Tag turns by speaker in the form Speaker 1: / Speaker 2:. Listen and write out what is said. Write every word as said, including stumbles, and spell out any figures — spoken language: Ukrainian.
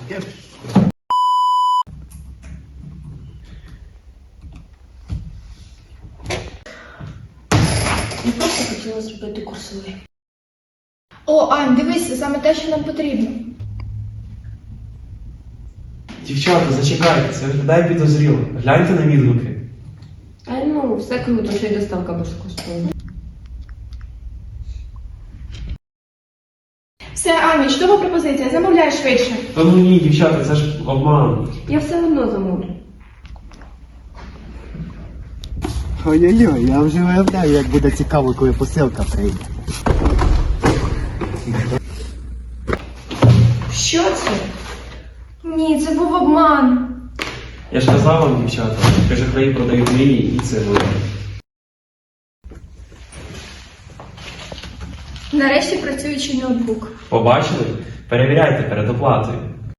Speaker 1: Я просто хотіла зробити курсовий.
Speaker 2: О, Ань, дивись, саме те, що нам потрібно.
Speaker 3: Дівчата, зачекайте, це виглядає підозріло. Гляньте на відгуки.
Speaker 1: А ну, все круто, що й доставка безкоштовна.
Speaker 2: Все, Аня, чудова пропозиція, замовляй швидше.
Speaker 3: Та ну ні, дівчата, це ж обман.
Speaker 1: Я все одно замовлю.
Speaker 4: Ой-ой-ой, я вже уявляю, як буде цікаво, коли посилка прийде.
Speaker 2: Що це? Ні, це був обман.
Speaker 3: Я ж казав вам, дівчата, що жахраї продають мрії і цигли.
Speaker 2: Нарешті працюючий ноутбук.
Speaker 3: Побачили? Перевіряйте перед оплатою.